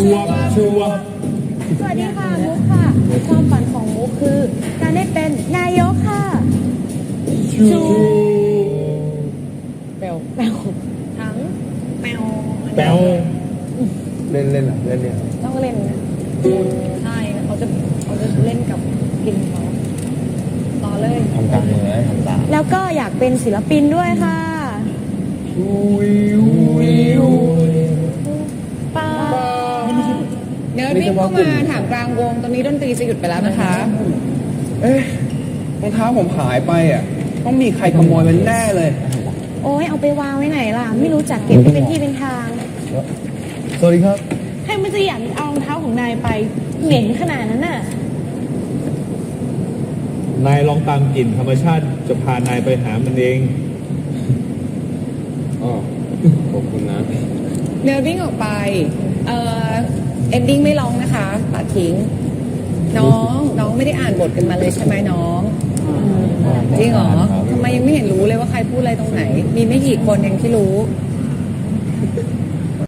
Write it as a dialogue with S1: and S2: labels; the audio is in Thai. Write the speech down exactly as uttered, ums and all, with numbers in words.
S1: วบชัวบ
S2: สวัสดีค่ะมุกค่ะความฝันของมุกคือการได้เป็นนายกค่ะ
S1: ชู
S2: แปลวแปลวทั้งแปลว
S1: แป๊ว
S3: เล่นเล่นเหรอเล่นเนี่ย
S2: ต้องเล่นนะใช่เขาจะเขาจะเล่นกับกินเขาต่อเลย
S3: ทำตามมือนะทำตาม
S2: แล้วก็อยากเป็นศิลปินด้วยค่ะ
S1: วิววิว
S2: ป้า
S4: เนิร์ดวิ่งเข้ามาถามกลางวงตอนนี้ดนตรีจะหยุดไปแล้วนะคะ
S3: เอ๊ะรองเท้าผมหายไปอ่ะต้องมีใครขโมยมันแน่เลย
S2: โอ้ยเอาไปวางไว้ไหนล่ะ ไม่รู้จักเก็บให้เป็นที่เป็นทาง
S3: สวัสดีครับ
S2: ให้มันจะอยากเอารองเท้าของนายไปเหม็นขนาดนั้นน่ะ
S1: นายลองตามกลิ่นธรรมชาติจะพานายไปหามันเอง
S3: อ๋อขอบคุณนะ
S4: เนิร์ดวิ่งออกไป เอ่อเอนดิ้งไม่ร้องนะคะตัดทิ้ง น้องน้องไม่ได้อ่านบทกันมาเลยใช่ไหมน้อง จริงเหรอทำไมยังไม่เห็นรู้เลยว่าใครพูดอะไรตรงไหน มีไม่กี่คนเองที่รู้